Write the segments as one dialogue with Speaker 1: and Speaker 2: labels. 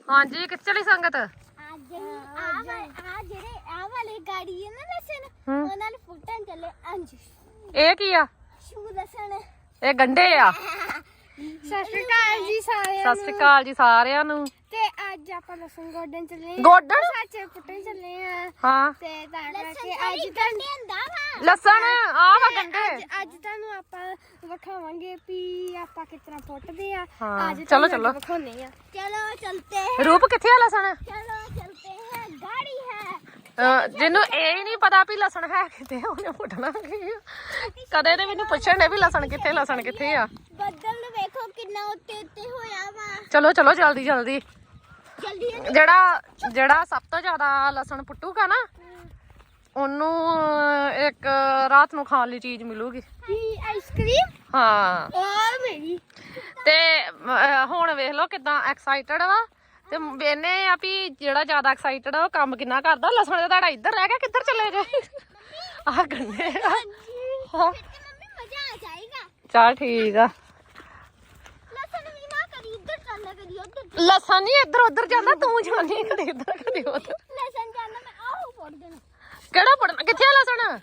Speaker 1: ਹਾਂਜੀ ਕਿੱਥੇ ਚਲੀ ਸੰਗਤ?
Speaker 2: ਅੱਜ ਆ ਜਿਹੜੇ ਆ ਵਾਲੇ ਗਾੜੀ ਹੈ ਨਾ ਲਸਣ ਉਹਨਾਂ ਨੂੰ ਫੁੱਟਣ ਚੱਲੇ ਅੰਜ
Speaker 1: ਇਹ ਕੀ ਆ?
Speaker 2: ਸ਼ੂ ਲਸਣ
Speaker 1: ਇਹ ਗੰਢੇ ਆ।
Speaker 2: ਸਤਿ ਸ਼੍ਰੀ ਅਕਾਲ ਜੀ ਸਾਰਿਆਂ
Speaker 1: ਸਤਿ ਸ਼੍ਰੀ ਅਕਾਲ ਜੀ ਸਾਰਿਆਂ ਨੂੰ।
Speaker 2: ਤੇ ਅੱਜ ਆਪਾਂ ਲਸਣ ਗੋਡਣ ਚੱਲੇ ਆ।
Speaker 1: ਗੋਡਣ?
Speaker 2: ਸੱਚ ਫੁੱਟਣ ਚੱਲੇ ਆ
Speaker 1: ਹਾਂ
Speaker 2: ਤੇ ਤਾਂ ਕਰਕੇ ਅੱਜ ਗੰਢੇ ਹੁੰਦਾ ਵਾ
Speaker 1: ਲਸਣ ਆ ਵਾ ਗੰਢੇ।
Speaker 2: ਅੱਜ ਤੁਹਾਨੂੰ ਆਪਾਂ ਵਿਖਾਵਾਂਗੇ ਵੀ ਆਪਾਂ ਕਿਸ ਤਰ੍ਹਾਂ ਫੁੱਟਦੇ ਆ।
Speaker 1: ਹਾਂ,
Speaker 2: ਅੱਜ
Speaker 1: ਚਲੋ,
Speaker 2: ਤੁਹਾਨੂੰ
Speaker 1: ਚਲੋ।
Speaker 2: ਵਿਖਾਉਣੇ ਆ। ਚਲੋ ਚਲਤੇ हैं।
Speaker 1: ਰੂਪ ਕਿੱਥੇ ਆ ਲਸਣ?
Speaker 2: चलो चलते हैं गाड़ी है।
Speaker 1: ਜਿਹਨੂੰ ਇਹ ਨਹੀਂ ਪਤਾ ਵੀ ਲਸਣ ਹੈ ਕਿੱਥੇ, ਉਹਨੇ ਪੁੱਟਣਾ ਕੀ ਆ। ਕਦੇ ਤੇ ਮੈਨੂੰ ਪੁੱਛਣ ਨੇ ਵੀ ਲਸਣ ਕਿੱਥੇ ਆ।
Speaker 2: ਬੱਦਲ ਨੂੰ ਵੇਖੋ ਕਿੰਨਾ ਉੱਤੇ ਉੱਤੇ ਹੋਇਆ ਵਾ।
Speaker 1: ਚਲੋ ਚਲੋ ਜਲਦੀ ਜਲਦੀ।
Speaker 2: ਜਲਦੀ
Speaker 1: ਜਿਹੜਾ ਸਭ ਤੋਂ ਜ਼ਿਆਦਾ ਲਸਣ ਪੁੱਟੂਗਾ ਨਾ ਉਹਨੂੰ ਇੱਕ ਰਾਤ ਨੂੰ ਖਾਣ ਲਈ ਚੀਜ਼ ਮਿਲੂਗੀ।
Speaker 2: ਆਈਸਕ੍ਰੀਮ
Speaker 1: ਹਾਂ
Speaker 2: ਔਰ ਮੇਰੀ
Speaker 1: ਤੇ ਹੁਣ ਵੇਖ ਲਓ ਕਿਦਾਂ ਐਕਸਾਈਟਡ ਵਾ ਤੇ ਵੇਨੇ ਆ ਵੀ ਜਿਹੜਾ ਜ਼ਿਆਦਾ ਐਕਸਾਈਟਡ ਆ ਉਹ ਕੰਮ ਕਿੰਨਾ ਕਰਦਾ। ਲਸਣ ਦਾ ਤੁਹਾਡਾ ਇੱਧਰ ਰਹਿ ਗਿਆ, ਕਿੱਧਰ ਚਲੇ ਗਏ? ਆਹ ਗੰਨੇ ਆ। ਹਾਂ
Speaker 2: ਮੰਮੀ ਮਜ਼ਾ ਆ ਜਾਏਗਾ।
Speaker 1: ਚੱਲ ਠੀਕ ਆ।
Speaker 2: ਲਸਣ ਵੀ ਨਾ ਕਰੀ ਇੱਧਰ ਚੱਲ ਕਰੀ ਉੱਧਰ।
Speaker 1: ਲਸਣ ਨਹੀਂ ਇੱਧਰ ਉੱਧਰ ਜਾਂਦਾ, ਤੂੰ ਜਾਂਦੀ ਕਦੇ ਇੱਧਰ ਕਦੇ ਉੱਧਰ।
Speaker 2: ਲਸਣ ਜਾਂਦਾ ਮੈਂ ਆਹੋ ਫੋੜ ਦੇਣਾ।
Speaker 1: ਕਿਹੜਾ ਪੜਨਾ? ਕਿੱਥੇ ਆ ਲਸਣ?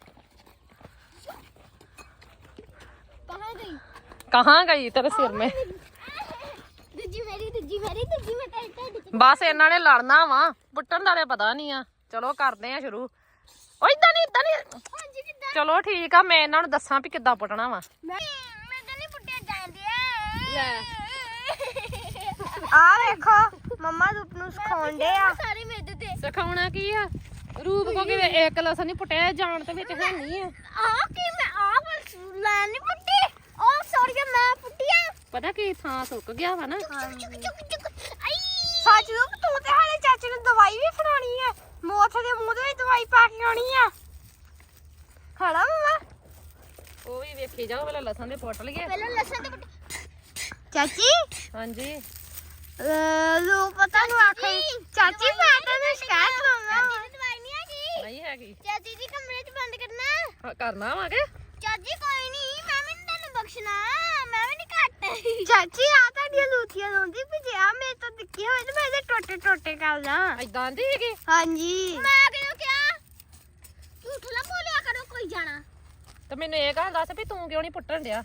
Speaker 2: ਕਹਾਂ ਗਈ?
Speaker 1: ਕਹਾਂ ਗਈ ਤੇਰੇ ਸਿਰ ਮੇ?
Speaker 2: ਦੂਜੀ ਮੇਰੀ ਮੈਂ ਟੈਟ
Speaker 1: ਬਸ ਇਹਨਾਂ ਨੇ ਲੜਨਾ ਵਾ, ਪੁੱਟਣ ਦਾ ਤੇ ਪਤਾ ਨਹੀਂ ਆ। ਚਲੋ ਕਰਦੇ ਆ ਸ਼ੁਰੂ। ਓ ਇਦਾਂ ਨਹੀਂ
Speaker 2: ਹਾਂਜੀ ਕਿੱਦਾਂ?
Speaker 1: ਚਲੋ ਠੀਕ ਆ, ਮੈਂ ਇਹਨਾਂ ਨੂੰ ਦੱਸਾਂ ਵੀ ਕਿੱਦਾਂ ਪੁੱਟਣਾ ਵਾ।
Speaker 2: ਮੈਂ ਤਾਂ ਨਹੀਂ ਪੁੱਟਿਆ ਜਾਂਦੇ
Speaker 1: ਲੈ
Speaker 2: ਆ ਵੇਖੋ ਮੰਮਾ ਰੂਪ ਨੂੰ ਸਿਖਾਉਂਦੇ ਆ ਸਾਰੇ ਮੇਰੇ ਤੇ।
Speaker 1: ਸਿਖਾਉਣਾ ਕੀ ਆ? ਰੂਪ ਕੋ ਕਿ ਇੱਕ ਲਸਣ ਨਹੀਂ ਪੁੱਟਿਆ ਜਾਣ ਤੇ ਵਿੱਚ ਹੈ ਨਹੀਂ ਆ।
Speaker 2: ਆ ਕੀ ਮੈਂ ਆ ਬਸ ਲੈ ਨਹੀਂ ਪੁੱਟੀ। ਉਹ ਸੌਰੀ ਮੈਂ ਪੁੱਟਿਆ।
Speaker 1: ਪਤਾ ਕੀ ਥਾਂ ਸੁੱਕ ਗਿਆ ਵਾ ਨਾ।
Speaker 2: ਸੱਚ ਰੂਪ ਤੂੰ ਤੇ ਹਾਲੇ ਚਾਚੇ ਨੂੰ ਦਵਾਈ ਵੀ ਫੜਾਉਣੀ ਆ। ਮੋਥ ਦੇ ਮੂੰਹ ਦੇ ਦਵਾਈ ਪਾ ਕੇ ਆਉਣੀ ਆ। ਖਾਣਾ ਮਮਾ
Speaker 1: ਉਹ ਵੀ ਵੇਖੀ ਜਾਓ ਪਹਿਲਾਂ ਲਸਣ ਦੇ ਪੁੱਟ ਲਈਏ।
Speaker 2: ਪਹਿਲਾਂ ਲਸਣ ਤੇ ਚਾਚੀ
Speaker 1: ਹਾਂਜੀ
Speaker 2: ਲੋ ਪਤਾ ਨੂੰ ਆਖੇ ਚਾਚੀ ਮੈਂ ਤੈਨੂੰ ਸ਼ਿਕਾਇਤ ਕਰਾਉਣਾ। ਦਵਾਈ ਨਹੀਂ ਹੈਗੀ।
Speaker 1: ਨਹੀਂ ਹੈਗੀ।
Speaker 2: ਚਾਚੀ ਜੀ ਕਮਰੇ 'ਚ ਬੰਦ ਕਰਨਾ।
Speaker 1: ਹਾਂ, ਕਰਨਾ ਵਾਂਗੇ।
Speaker 2: ਚਾਚੀ ਕੋਈ ਨਹੀਂ ਮੈਂ ਵੀ ਨੀ ਤੈਨੂੰ ਬਖਸ਼ਣਾ। ਮੈਂ ਵੀ ਨਹੀਂ ਘੱਟ। ਚਾਚੀ ਆ ਤੁਹਾਡੀਆਂ ਲੂਥੀਆਂ ਲਾਉਂਦੀ ਵੀ ਜੇ ਆ ਮੇਰੇ ਤੋਂ ਦਿੱਕੀ ਹੋਵੇ ਤੇ ਮੈਂ ਇਹਦੇ ਟੋਟੇ ਟੋਟੇ ਕਰ ਲਾਂ।
Speaker 1: ਏਦਾਂ ਦੀ ਹੈਗੀ।
Speaker 2: ਹਾਂਜੀ ਮੈਂ ਕਿਉਂ ਕਿਹਾ ਝੂਠ ਨਾ ਬੋਲਿਆ ਕਰੋ ਕੋਈ ਜਾਣਾ।
Speaker 1: ਤੇ ਮੈਨੂੰ ਇਹ ਗੱਲ ਦੱਸ ਵੀ ਤੂੰ ਕਿਉਂ ਨਹੀਂ ਪੁੱਟਣ ਡਿਆ?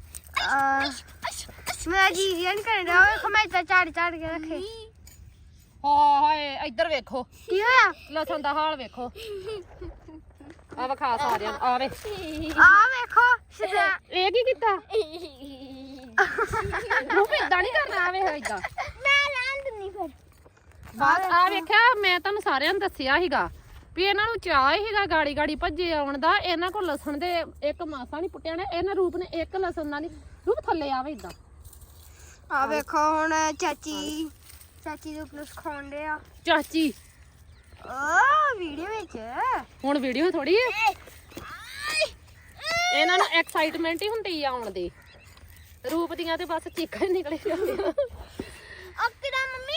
Speaker 2: ਮੇਰਾ ਜੀ ਨਹੀਂ ਕਰਦਾ। ਵੇਖੋ ਮੈਂ ਤਾਂ ਝਾੜ ਕੇ ਰੱਖੇ।
Speaker 1: ਹਾਏ ਇੱਧਰ ਵੇਖੋ
Speaker 2: ਕੀ ਹੋਇਆ?
Speaker 1: ਲਸਣ ਦਾ ਹਾਲ ਵੇਖੋ। ਆ ਵਿਖਾ ਸਾਰਿਆਂ ਨੂੰ। ਆ ਵੇ
Speaker 2: ਆ ਵੇਖੋ ਸਿੱਧਾ
Speaker 1: ਇਹ ਕੀ ਕੀਤਾ? ਰੂਪ ਏਦਾਂ ਨਹੀਂ ਕਰਨਾ। ਆਵੇ ਏਦਾਂ
Speaker 2: ਮੈਂ ਲਾਂ ਦਿੰਨੀ ਫਿਰ।
Speaker 1: ਬਸ ਆ ਵੇਖਿਆ, ਮੈਂ ਤੁਹਾਨੂੰ ਸਾਰਿਆਂ ਨੂੰ ਦੱਸਿਆ ਸੀਗਾ ਵੀ ਇਹਨਾਂ ਨੂੰ ਚਾਹ ਸੀਗਾ ਗਾੜੀ ਗਾੜੀ ਭੱਜੇ ਆਉਣ ਦਾ। ਇਹਨਾਂ ਕੋਲ ਲਸਣ ਦੇ ਇੱਕ ਮਾਸਾ ਨਹੀਂ ਪੁੱਟਿਆ ਨੇ। ਇਹਨਾਂ ਰੂਪ ਨੇ ਇੱਕ ਲਸਣ ਨਾਲ ਨਹੀਂ। ਰੂਪ ਥੱਲੇ ਆਵੇ ਏਦਾਂ।
Speaker 2: ਆ ਵੇਖੋ ਹੁਣ ਚਾਚੀ ਰੂਪ ਨੂੰ ਸਿਖਾਉਂਦੇ ਆ।
Speaker 1: ਚਾਚੀ
Speaker 2: ਓ ਵੀਡੀਓ ਵਿੱਚ
Speaker 1: ਹੁਣ ਵੀਡੀਓ ਥੋੜੀ ਹੈ। ਇਹਨਾਂ ਨੂੰ ਐਕਸਾਈਟਮੈਂਟ ਹੀ ਹੁੰਦੀ ਆ ਆਉਣ ਦੀ। ਰੂਪ ਦੀਆਂ ਤੇ ਬਸ ਚੀਕਾਂ ਹੀ ਨਿਕਲੇ ਜਾਂਦੀਆਂ।
Speaker 2: ਅਕਰਾ ਮੰਮੀ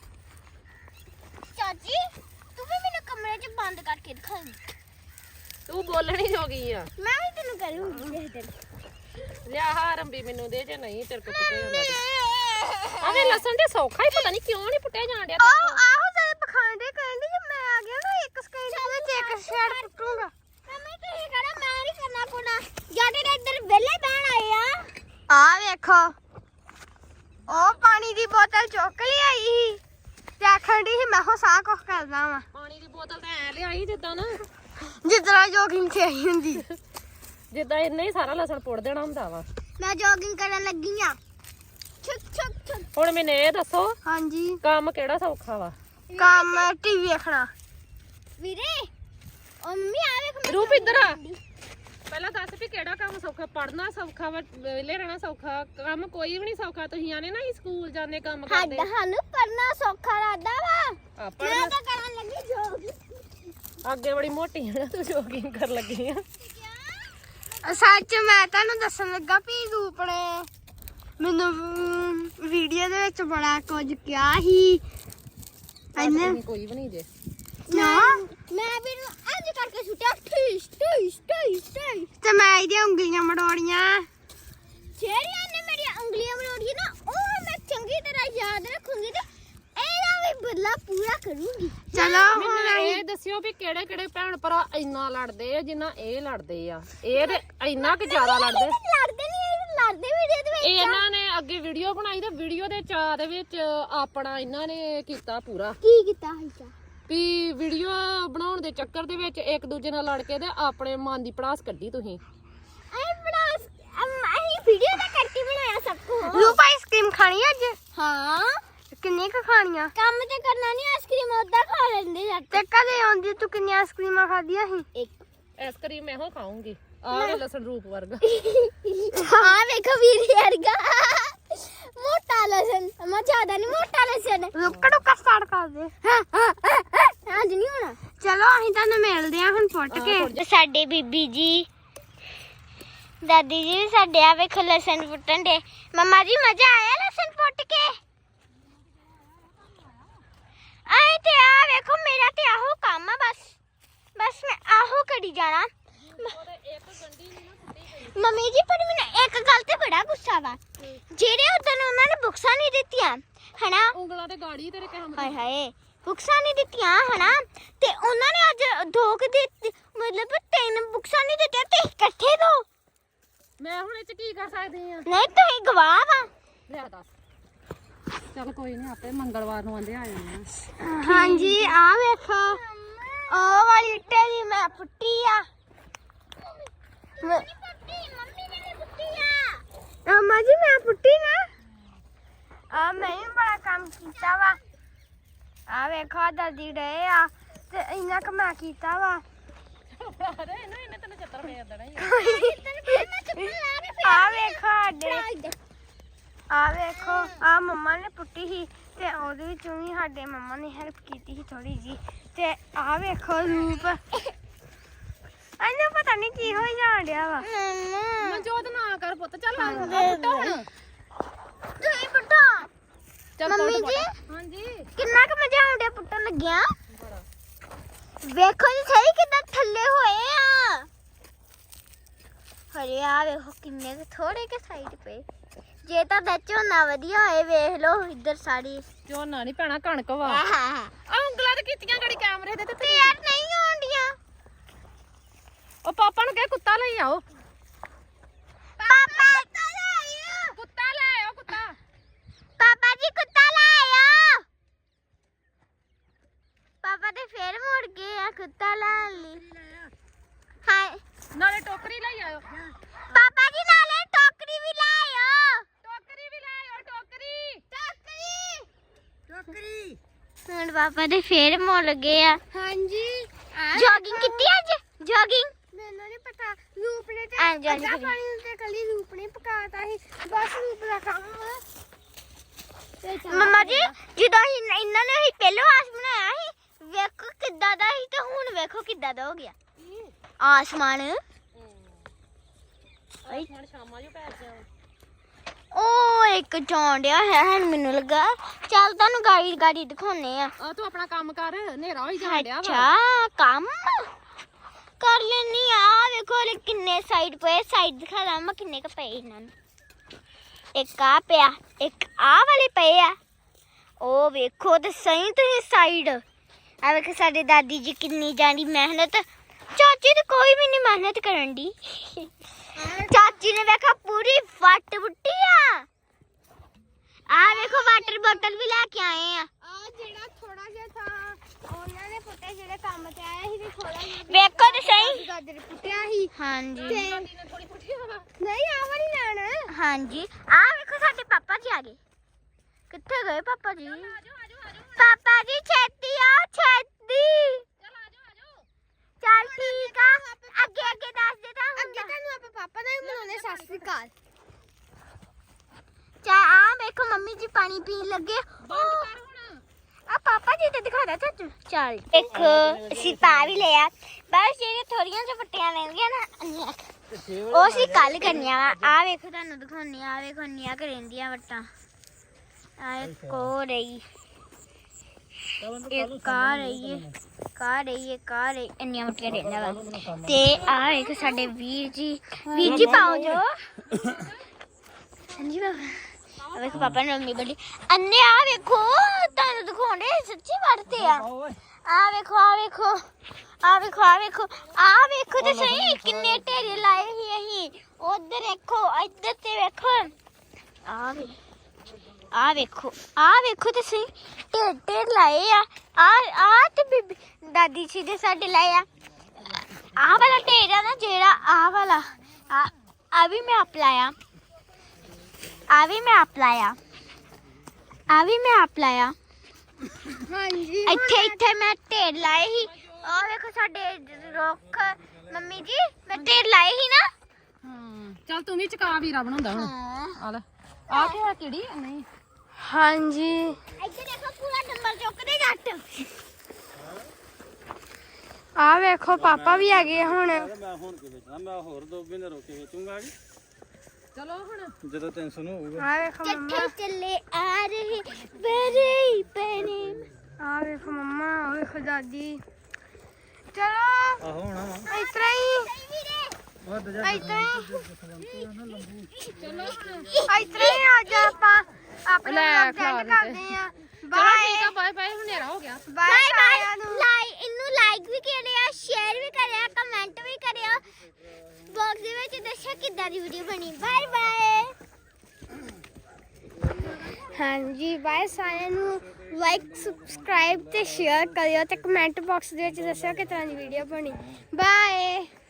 Speaker 2: ਚਾਚੀ ਤੂੰ ਵੀ ਮੈਨੂੰ ਕਮਰੇ 'ਚ ਬੰਦ ਕਰਕੇ ਦਿਖਾ।
Speaker 1: ਤੂੰ ਬੋਲਣੀ ਹੋ ਗਈ ਆ।
Speaker 2: ਮੈਂ ਵੀ ਤੈਨੂੰ ਕਰੂੰਗੀ ਦੇ
Speaker 1: ਲਿਆ ਹਾਰੰਬੀ ਮੈਨੂੰ ਦੇ ਜੇ ਨਹੀਂ ਤੇਰੇ ਕੋ ਪੁੱਟਿਆ ਜਾਂਦਾ। ਆਵੇ ਲਸਣ ਦੇ ਸੌਖਾ ਹੀ ਪਤਾ ਨਹੀਂ ਕਿਉਂ ਨਹੀਂ ਪੁੱਟਿਆ ਜਾਣ ਡਿਆ।
Speaker 2: ਆਹੋ ਸਾਰੇ ਪਖਾਂਡੇ ਕਹਿੰਦੇ ਜੇ ਮੈਂ ਆ ਗਿਆ ਨਾ ਇੱਕ ਸਕਿੰਟ ਵਿੱਚ ਇੱਕ ਸ਼ੇਡ ਪੁੱਟੂਗਾ। ਮੰਮੀ ਤੁਸੀਂ ਕਹਣਾ ਮੈਂ ਨਹੀਂ ਕਰਨਾ ਪੁਣਾ ਜਿਹੜੇ ਨੇ ਇੱਧਰ ਵਿਹਲੇ ਬਹਿਣ ਆਏ ਆ ਵੇਖੋ ਉਹ ਪਾਣੀ ਦੀ ਬੋਤਲ ਚੁੱਕ ਲਿਆਈ ਸੀ ਤੇ ਆਖਣ ਦੀ ਸੀ ਮੈਂ ਹੋ ਸਾਹ ਕੁਝ ਕਰਦਾ ਵਾਂ।
Speaker 1: ਪਾਣੀ ਦੀ ਬੋਤਲ ਤਾਂ ਐ ਲਿਆਈ ਜਿੱਦਾਂ ਨਾ
Speaker 2: ਜਿੱਦਾਂ ਜੋਗਿੰਗ ਤੇ ਆਈ ਹੁੰਦੀ।
Speaker 1: ਜਿੱਦਾਂ ਇੰਨਾ ਹੀ ਸਾਰਾ ਲਸਣ ਪੁੱਟ ਦੇਣਾ ਹੁੰਦਾ ਵਾ।
Speaker 2: ਮੈਂ ਜੋਗਿੰਗ ਕਰਨ ਲੱਗੀ ਆ।
Speaker 1: ਹੁਣ ਮੈਨੂੰ ਇਹ ਦੱਸੋ
Speaker 2: ਹਾਂਜੀ
Speaker 1: ਕੰਮ ਕਿਹੜਾ ਸੌਖਾ ਵਾ?
Speaker 2: ਕੰਮ ਟੀਵੀ ਵੇਖਣਾ ਵੀਰੇ। ਉਹ ਮੰਮੀ ਆ ਵੇਖ
Speaker 1: ਰੂਪ ਇੱਧਰ ਆ। ਪਹਿਲਾਂ ਦੱਸ ਵੀ ਕਿਹੜਾ ਕੰਮ ਸੌਖਾ? ਪੜਨਾ ਸੌਖਾ ਵਾ, ਵਿਹਲੇ ਰਹਿਣਾ ਸੌਖਾ? ਕੰਮ ਕੋਈ ਵੀ ਨਹੀਂ ਸੌਖਾ। ਤੁਸੀਂ ਆਨੇ ਨਾ ਸਕੂਲ ਜਾਂਦੇ ਕੰਮ ਕਰਦੇ।
Speaker 2: ਸਾਨੂੰ ਪੜਨਾ ਸੌਖਾ ਲੱਗਦਾ ਵਾ।
Speaker 1: ਆਪਾਂ
Speaker 2: ਮੈਂ ਤਾਂ ਕਰਨ ਲੱਗੀ ਜੋਗ।
Speaker 1: ਅੱਗੇ ਬੜੀ ਮੋਟੀ ਹੈ ਨਾ ਤੂੰ, ਜੋਗਿੰਗ ਕਰਨ ਲੱਗੀ ਆ।
Speaker 2: ਸੱਚ ਮੈਂ ਤੁਹਾਨੂੰ ਦੱਸਣ ਲੱਗਾ ਵੀ ਰੂਪ ਨੇ ਮੈਨੂੰ ਵੀਡੀਓ ਦੇ ਵਿੱਚ ਬੜਾ ਕੁਝ ਕਿਹਾ ਸੀ।
Speaker 1: ਇਹਨੇ ਕੋਈ ਵੀ ਨਹੀਂ ਜੇ
Speaker 2: ਨਾ ਮੈਂ ਵੀ ਇੰਜ ਕਰਕੇ ਸੁੱਟਿਆ ਠੀਸ ਤੇ ਮੈਂ ਇਹਦੀਆਂ ਉਂਗਲੀਆਂ ਮੜੋੜੀਆਂ। ਜਿਹੜੀਆਂ ਨੇ ਮੇਰੀਆਂ ਉਂਗਲੀਆਂ ਮੜੋੜੀਆਂ ਨਾ ਉਹ ਮੈਂ ਚੰਗੀ ਤਰ੍ਹਾਂ ਯਾਦ ਰੱਖੂੰਗੀ ਤੇ ਇਹ ਬਦਲਾ ਪੂਰਾ ਕਰੂੰਗੀ।
Speaker 1: ਚਲੋ ਹੁਣ ਇਹ ਦੱਸਿਓ ਵੀ ਕਿਹੜੇ ਕਿਹੜੇ ਭੈਣ ਭਰਾ ਇੰਨਾ ਲੜਦੇ ਆ ਜਿੰਨਾ ਇਹ ਲੜਦੇ ਆ। ਇਹ ਤੇ ਇੰਨਾ ਕਿ ਜ਼ਿਆਦਾ ਲੜਦੇ।
Speaker 2: ਲੜਦੇ ਨਹੀਂ, ਲੜਦੇ ਵੀਡੀਓ ਦੇ ਵਿੱਚ।
Speaker 1: ਇਹਨਾਂ ਨੇ ਅੱਗੇ ਵੀਡੀਓ ਬਣਾਈ ਤੇ ਵੀਡੀਓ ਦੇ ਚਾਅ ਦੇ ਵਿੱਚ ਆਪਣਾ ਇਹਨਾਂ ਨੇ ਕੀਤਾ ਪੂਰਾ
Speaker 2: ਕੀ ਕੀਤਾ ਹੈ
Speaker 1: ਵੀ ਵੀਡੀਓ ਬਣਾਉਣ ਦੇ ਚੱਕਰ ਦੇ ਵਿੱਚ ਇੱਕ ਦੂਜੇ ਨਾਲ ਲੜ ਕੇ ਤੇ ਆਪਣੇ ਮਨ ਦੀ ਪੜਾਸ ਕੱਢੀ ਤੁਸੀਂ।
Speaker 2: ਅਸੀਂ ਵੀਡੀਓ ਦਾ ਕਰਕੇ ਬਣਾਇਆ ਸਭ ਕੁਝ। ਰੂਪ ਆਈਸਕ੍ਰੀਮ ਖਾਣੀ ਅੱਜ? ਹਾਂ। ਕਿੰਨੀ ਕੁ ਖਾਣੀਆਂ? ਕੰਮ ਤੇ ਕਰਨਾ ਨਹੀਂ, ਆਈਸਕ੍ਰੀਮ ਉਦਾਂ ਖਾ ਲੈਂਦੇ ਜਾਂ ਤੇ ਕਦੇ ਆਉਂਦੀ ਤੂੰ ਕਿੰਨੀਆਂ ਆਈਸਕ੍ਰੀਮਾਂ ਖਾਧੀਆਂ ਸੀ? ਇੱਕ
Speaker 1: ਆਈਸਕ੍ਰੀਮ ਮੈਂ ਹੋ ਖਾਉਂਗੀ। ਆਹ ਲਸਣ ਰੂਪ ਵਰਗਾ।
Speaker 2: ਹਾਂ ਵੇਖੋ ਵੀਰ ਵਰਗਾ ਮੋਟਾ ਲਸਣ। ਮੈਂ ਜ਼ਿਆਦਾ ਨਹੀਂ, ਮੋਟਾ ਲਸਣ। ਰੁੱਕਾ ਟੁੱਕਾ ਸਟਾਰਟ ਕਰ ਦੇ। ਅੱਜ ਨਹੀਂ ਹੋਣਾ। ਚਲੋ ਅਸੀਂ ਤੁਹਾਨੂੰ ਮਿਲਦੇ ਹਾਂ ਹੁਣ ਫੁੱਟ ਕੇ। ਸਾਡੇ ਬੀਬੀ ਜੀ ਦਾਦੀ ਜੀ ਸਾਡੇ ਆ ਵੇਖੋ ਲਸਣ ਫੁੱਟਣ ਦੇ। ਮਮਾ ਜੀ ਮਜ਼ਾ ਆਇਆ ਲਸਣ ਫੁੱਟ ਕੇ? ਆਏ ਤੇ ਆ ਵੇਖੋ ਮੇਰਾ ਤੇ ਆਹੋ ਕੰਮ ਆ। ਬਸ ਮੈਂ ਆਹੋ ਕਰੀ ਜਾਣਾ। ਮੰਮੀ ਜੀ ਪਰ ਮੈਨੂੰ ਇੱਕ ਗੱਲ ਤੇ ਬੜਾ ਗੁੱਸਾ ਵਾ। ਜਿਹੜੇ ਉਦੋਂ ਉਹਨਾਂ ਨੇ ਬੁਕਸਾਂ ਨਹੀਂ ਦਿੱਤੀਆਂ ਹਨਾ,
Speaker 1: ਉਂਗਲਾਂ ਤੇ ਗਾੜੀ ਤੇਰੇ ਕਹਿਣ
Speaker 2: ਹਾਏ ਹਾਏ ਬੁਕਸਾਂ ਨਹੀਂ ਦਿੱਤੀਆਂ ਹਨਾ, ਤੇ ਉਹਨਾਂ ਨੇ ਅੱਜ ਦੋ ਕੁ ਦੇ ਮਤਲਬ 3 ਬੁਕਸਾਂ ਨਹੀਂ ਦਿੱਤੀਆਂ ਤੇ ਇਕੱਠੇ ਦੋ।
Speaker 1: ਮੈਂ ਹੁਣ ਇਹ ਚ ਕੀ ਕਰ ਸਕਦੀ ਆ?
Speaker 2: ਨਹੀਂ ਤੁਸੀਂ ਗਵਾਹ ਵਾ।
Speaker 1: ਲਿਆ ਦੱਸ। ਚਲ ਕੋਈ ਨਹੀਂ, ਆਪੇ ਮੰਗਲਵਾਰ ਨੂੰ ਆਂਦੇ ਆ ਜਾਣੇ ਆ।
Speaker 2: ਹਾਂਜੀ ਆ ਵੇਖੋ ਉਹ ਵਾਲੀ ਇੱਟੇ ਦੀ ਮੈਂ ਪੁੱਟੀ ਆ। ਮੰਮੀ ਜੀ ਮੈਂ ਪੁੱਟੀ ਨਾ। ਆ ਮੈਂ ਵੀ ਬੜਾ ਕੰਮ ਕੀਤਾ ਵਾ। ਆ ਵੇਖੋ ਦਾਦੀ ਡੇ ਆ ਤੇ ਇੰਨਾ ਕੁ ਮੈਂ ਕੀਤਾ ਵਾ।
Speaker 1: ਇਹਨੇ ਤੈਨੂੰ ਚੱਤਰ ਫੇਰ ਦੇਣਾ ਹੀ
Speaker 2: ਆ ਵੇਖੋ ਸਾਡੇ ਆ ਵੇਖੋ ਆ ਮੰਮਾ ਨੇ ਪੁੱਟੀ ਸੀ ਤੇ ਉਹਦੇ ਵਿੱਚੋਂ ਵੀ ਸਾਡੇ ਮੰਮਾ ਨੇ ਹੈਲਪ ਕੀਤੀ ਸੀ ਥੋੜੀ ਜੀ। ਤੇ ਆ ਵੇਖੋ ਰੂਪ ਇਹਨੂੰ ਪਤਾ ਨਹੀਂ ਕੀ ਹੋਈ ਜਾਣ ਡਿਆ ਵਾ।
Speaker 1: ਮਨਜੋਤ ਨਾ ਕਰ ਪੁੱਤ। ਚੱਲ ਆ ਪੁੱਟੋ ਹੁਣ।
Speaker 2: ਤੁਸੀਂ ਪੁੱਟੋ।
Speaker 1: ਚੱਲ
Speaker 2: ਮੰਮੀ ਜੀ
Speaker 1: ਹਾਂਜੀ
Speaker 2: ਕਿੰਨਾ ਕੁ ਮਜ਼ਾ ਆਉਂਦਾ ਪੁੱਟਣ ਲੱਗਿਆ। ਵੇਖੋ ਜੀ ਸਹੀ ਕਿੱਦਾਂ ਥੱਲੇ ਹੋਏ ਆ। ਹਰੇ ਆ ਵੇਖੋ ਕਿੰਨੇ ਕੁ ਥੋੜੇ ਕੇ ਸਾਈਡ ਪੇ। ਜੇ ਤਾਂ ਝੋਨਾ ਵਧੀਆ ਹੋਏ ਵੇਖ ਲਓ ਇੱਧਰ ਸਾਰੀ
Speaker 1: ਝੋਨਾ ਨਹੀਂ ਪੈਣਾ ਕਣਕ ਵਾ।
Speaker 2: ਆਹ
Speaker 1: ਉਂਗਲਾਂ ਤੇ ਕੀਤੀਆਂ ਗੜੀ ਕੈਮਰੇ ਦੇ
Speaker 2: ਤੇ ਯਾਰ ਨਹੀਂ ਆਉਂਦੀਆਂ।
Speaker 1: ਉਹ ਪਾਪਾ ਨੂੰ ਕਹਿ ਕੁੱਤਾ ਲਈ ਆਓ।
Speaker 2: ਪਾਪਾ ਕੁੱਤਾ ਲੈ ਆਇਓ।
Speaker 1: ਕੁੱਤਾ ਲੈ ਆਓ ਕੁੱਤਾ।
Speaker 2: ਪਾਪਾ ਜੀ ਕੁੱਤਾ ਲੈ ਆਇਓ। ਪਾਪਾ ਤੇ ਫੇਰ ਮੁੜ ਗਏ ਆ ਕੁੱਤਾ ਲੈਣ ਲਈ। ਹਾਂ
Speaker 1: ਨਾਲੇ ਟੋਕਰੀ ਲਈ ਆਇਓ।
Speaker 2: ਪਾਪਾ ਜੀ ਨਾਲੇ ਟੋਕਰੀ ਵੀ ਲੈ ਆਇਓ।
Speaker 1: ਟੋਕਰੀ ਵੀ ਲੈ ਆਇਓ। ਟੋਕਰੀ
Speaker 2: ਟੋਕਰੀ ਹੁਣ ਪਾਪਾ ਦੇ ਫੇਰ ਮੁੜ ਗਏ ਆ। ਹਾਂਜੀ ਜੋਗਿੰਗ ਕੀਤੀ ਅੱਜ? ਜੋਗਿੰਗ ਮੈਨੂੰ ਨਹੀਂ ਪਤਾ। ਰੂਪ ਨੇ ਤੇ ਅੱਧਾ ਪਾਣੀ ਤੇ ਕੱਲੀ ਰੂਪ ਨੇ ਪਕਾਤਾ ਸੀ। ਬਸ ਰੂਪ ਦਾ ਕੰਮ। ਮਮਾ ਜੀ ਜਦੋਂ ਇਹਨਾਂ ਨੇ ਹੀ ਪਹਿਲਾਂ ਆਸ ਬਣਾਇਆ ਸੀ ਵੇਖੋ ਕਿੱਦਾਂ ਦਾ ਸੀ ਤੇ ਹੁਣ ਵੇਖੋ ਕਿੱਦਾਂ ਦਾ ਹੋ ਗਿਆ ਆਸਮਾਨ।
Speaker 1: ਹੁਣ ਸ਼ਾਮਾਂ ਨੂੰ ਪੈ ਗਿਆ।
Speaker 2: ਉਹ ਇੱਕ ਚੌਂਡਿਆ ਹੈ ਹੁਣ ਮੈਨੂੰ ਲੱਗਾ। ਚੱਲ ਤੁਹਾਨੂੰ ਗਾੜੀ ਦਿਖਾਉਣੇ ਆ।
Speaker 1: ਆ ਤੂੰ ਆਪਣਾ ਕੰਮ ਕਰ, ਹਨੇਰਾ ਹੋਈ ਜਾਣ ਡਿਆ ਵਾ।
Speaker 2: ਅੱਛਾ ਕੰਮ ਕਰ ਲੈਣੀ ਆ। ਵੇਖੋ ਲੈ ਕਿੰਨੇ ਸਾਈਡ ਪਏ। ਸਾਈਡ ਦਿਖਾ ਦਾਂ ਮੈਂ ਕਿੰਨੇ ਕ ਪਏ ਇਹਨਾਂ ਨੂੰ। ਇੱਕ ਆ ਪਿਆ, ਇੱਕ ਆ ਵਾਲੇ ਪਏ ਆ। ਉਹ ਵੇਖੋ ਤੇ ਸਹੀ ਤੁਸੀਂ ਸਾਈਡ। ਆ ਵੇਖੋ ਸਾਡੇ ਦਾਦੀ ਜੀ ਕਿੰਨੀ ਜਾਨੀ ਮਿਹਨਤ। ਚਾਚੀ ਤੇ ਕੋਈ ਵੀ ਨਹੀਂ ਮਿਹਨਤ ਕਰਨ ਦੀ। ਚਾਚੀ ਨੇ ਵੇਖਾ ਪੂਰੀ ਵੱਟ ਬੁੱਟੀ ਆ ਵੇਖੋ ਵਾਟਰ ਬੋਤਲ ਵੀ ਲੈ ਕੇ ਆਏ ਆ। ਆ ਜਿਹੜਾ ਥੋੜਾ ਜਿਹਾ ਥਾ ਉਹਨਾਂ ਨੇ ਪੁੱਟੇ ਜਿਹੜੇ ਕੰਮ ਤੇ ਆਇਆ ਸੀ ਤੇ ਥੋੜਾ ਜਿਹਾ ਵੇਖੋ ਤੇ ਸਹੀ ਗਾਜਰ ਪੁੱਟਿਆ ਸੀ। ਹਾਂਜੀ ਨਹੀਂ ਆ ਵਾਲੀ ਲੈਣ। ਹਾਂਜੀ ਆ ਵੇਖੋ ਸਾਡੇ ਪਾਪਾ ਜੀ ਆ ਗਏ। ਕਿੱਥੇ ਗਏ ਪਾਪਾ ਜੀ? ਪਾਪਾ ਜੀ ਛੇਤੀ ਆ ਛੇਤੀ। ਚੱਲ ਠੀਕ ਆ ਅੱਗੇ ਦੱਸ ਦੇ ਤਾਂ ਅੱਗੇ ਤੁਹਾਨੂੰ ਆਪਾਂ ਪਾਪਾ ਦਾ ਹੀ ਬਣਾਉਣੇ। ਸਤਿ ਸ਼੍ਰੀ ਅਕਾਲ। ਚਾ ਆ ਵੇਖੋ ਮੰਮੀ ਜੀ ਪਾਣੀ ਪੀਣ ਲੱਗੇ। ਆ ਪਾਪਾ ਜੀ ਤੇ ਦਿਖਾਦਾ ਚਾਚੂ। ਚੱਲ ਇੱਕ ਅਸੀਂ ਪਾ ਵੀ ਲਿਆ। ਬਸ ਜਿਹੜੇ ਥੋੜੀਆਂ ਜਿਹੀਆਂ ਪੱਟੀਆਂ ਰਹਿੰਦੀਆਂ ਨਾ ਉਹ ਅਸੀਂ ਕੱਲ ਕਰਨੀਆਂ ਵਾ। ਆ ਵੇਖੋ ਤੁਹਾਨੂੰ ਦਿਖਾਉਣੀ ਆ। ਵੇਖੋ ਇੰਨੀਆਂ ਕੁ ਰਹਿੰਦੀਆਂ ਵੱਟਾਂ। ਆ ਇੱਕ ਹੋ ਰਹੀ, ਇੱਕ ਆ ਰਹੀ ਹੈ, ਕਾ ਰਹੀ ਇੰਨੀਆਂ ਮੋਟੀਆਂ ਰਹਿੰਦਾ ਵਾ। ਤੇ ਆ ਵੇਖੋ ਸਾਡੇ ਵੀਰ ਜੀ ਪਾਓ ਜੋ। ਹਾਂਜੀ ਬਾਬਾ ਵੇਖੋ ਪਾਪਾ ਨੇ ਮੰਮੀ ਬੜੀ ਅੰਨੇ ਆ ਵੇਖੋ ਤੁਹਾਨੂੰ ਦਿਖਾਉਣ ਆਉਂਦੇ ਸੱਚੀ ਵੜਦੇ ਆ ਆ ਵੇਖੋ ਆ ਵੇਖੋ ਆ ਵੇਖੋ ਆ ਵੇਖੋ ਆ ਵੇਖੋ ਤੇ ਸਹੀ ਕਿੰਨੇ ਢੇਰੇ ਲਾਏ ਸੀ ਅਸੀਂ ਉਧਰ ਦੇਖੋ ਇੱਧਰ ਤੇ ਵੇਖੋ ਆ ਵੇਖੋ ਤੇ ਸਹੀ ਢੇਰ ਲਾਏ ਆ ਤੇ ਬੀਬੀ ਦਾਦੀ ਜੀ ਦੇ ਸਾਡੇ ਲਾਏ ਆ ਵਾਲਾ ਢੇਰ ਆ ਨਾ ਜਿਹੜਾ ਆ ਵਾਲਾ ਆ ਵੀ ਮੈਂ ਅਪਲਾਇਆ ਆ ਵੀ ਮੈਂ ਅਪਲਾਇਆ ਹਾਂਜੀ ਇੱਥੇ ਮੈਂ ਢੇਰ ਲਾਏ ਸੀ ਆ ਵੇਖੋ ਸਾਡੇ ਰੁੱਖ ਮੰਮੀ ਜੀ ਮੈਂ ਢੇਰ ਲਾਏ ਸੀ ਨਾ
Speaker 1: ਚੱਲ ਤੂੰ ਵੀ ਚਕਾ ਵੀਰਾ ਬਣਾਉਂਦਾ ਹੁਣ ਆ ਲੈ ਆ ਕੀ ਕਿਹੜੀ ਨਹੀਂ
Speaker 2: ਹਾਂਜੀ ਇੱਥੇ ਦੇਖੋ ਪੂਰਾ ਡੰਬਲ ਚੁੱਕਦੇ ਜੱਟ ਆ ਵੇਖੋ ਪਾਪਾ ਵੀ ਆ ਗਏ ਹੁਣ
Speaker 3: ਮੈਂ ਹੁਣ ਕੀ ਵੇਚਣਾ ਮੈਂ ਹੋਰ 2 ਮਹੀਨੇ ਰੋਕ ਕੇ ਵੇਚੂੰਗਾ ਕਿ
Speaker 1: ਚਲੋ ਹੁਣ
Speaker 3: ਜਦੋਂ 300 ਨੂੰ ਹੋਊਗਾ
Speaker 2: ਆ ਵੇਖੋ ਮੰਮਾ ਚੱਲੇ ਆ ਰਹੇ ਬਰੇ ਬਰੇ ਆ ਵੇਖੋ ਮੰਮਾ ਆ ਵੇਖੋ ਦਾਦੀ ਚਲੋ
Speaker 3: ਆਹੋ ਹੋਣਾ ਵਾ
Speaker 2: ਇਤਰਾ ਹੀ
Speaker 3: ਵੱਧ ਜਾ
Speaker 2: ਇਤਰਾ ਹੀ ਆ ਜਾ ਆਪਾਂ ਆਪਣੇ
Speaker 1: ਲੈ,
Speaker 2: ਵਲੌਗ
Speaker 1: ਖਿਲਾ
Speaker 2: ਐਂਡ
Speaker 1: ਦਿੱਤੇ।
Speaker 2: ਕਰਦੇ ਆ
Speaker 1: ਚਲੋ
Speaker 2: ਬਾਏ
Speaker 1: ਠੀਕ ਆ ਬਾਏ ਬਾਏ ਹਨੇਰਾ ਹੋ ਗਿਆ
Speaker 2: ਬਾਏ ਬਾਏ ਇਹਨੂੰ ਲਾਈਕ ਵੀ ਕਰਿਆ ਸ਼ੇਅਰ ਵੀ ਕਰਿਆ ਕਮੈਂਟ ਵੀ ਕਰਿਆ ਬਾਕਸ ਦੇ ਵਿੱਚ ਦੱਸਿਆ ਕਿੱਦਾਂ ਦੀ ਵੀਡੀਓ ਬਣੀ ਬਾਏ ਬਾਏ ਹਾਂਜੀ ਬਾਏ ਸਾਰਿਆਂ ਨੂੰ ਲਾਈਕ ਸਬਸਕ੍ਰਾਈਬ ਤੇ ਸ਼ੇਅਰ ਕਰਿਓ ਤੇ ਕਮੈਂਟ ਬਾਕਸ ਦੇ ਵਿੱਚ ਦੱਸਿਓ ਕਿੱਦਾਂ ਦੀ ਵੀਡੀਓ ਬਣੀ ਬਾਏ